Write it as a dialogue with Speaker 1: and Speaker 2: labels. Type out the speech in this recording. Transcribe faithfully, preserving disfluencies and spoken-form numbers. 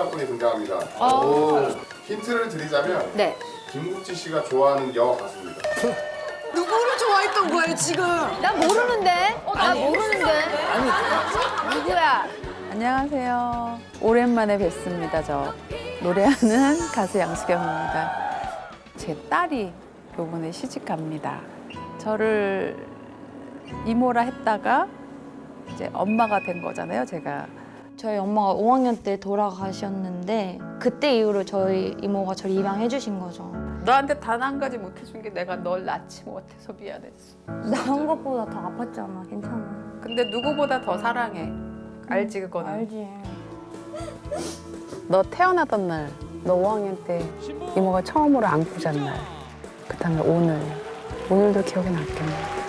Speaker 1: 사랑꾼이 등장합니다.
Speaker 2: 아.
Speaker 1: 오. 힌트를 드리자면
Speaker 2: 네.
Speaker 1: 김국지 씨가 좋아하는 여 가수입니다.
Speaker 3: 누구를 좋아했던 거예요 지금?
Speaker 2: 나 모르는데? 나 모르는데? 아니, 누구야?
Speaker 4: 안녕하세요. 오랜만에 뵙습니다. 저 노래하는 가수 양수경입니다. 제 딸이 요번에 시집갑니다. 저를 이모라 했다가 이제 엄마가 된 거잖아요, 제가.
Speaker 5: 저희 엄마가 오 학년 때 돌아가셨는데 그때 이후로 저희 이모가 저를 입양해 주신 거죠.
Speaker 4: 너한테 단 한 가지 못 해준 게 내가 널 낳지 못해서 미안했어.
Speaker 5: 나온 것보다 더 아팠잖아. 괜찮아.
Speaker 4: 근데 누구보다 더 사랑해. 알지 그거는?
Speaker 5: 알지.
Speaker 6: 너 태어나던 날, 너 오 학년 때 이모가 처음으로 안고 잔 날. 그 다음에 오늘. 오늘도 기억에 남겠네.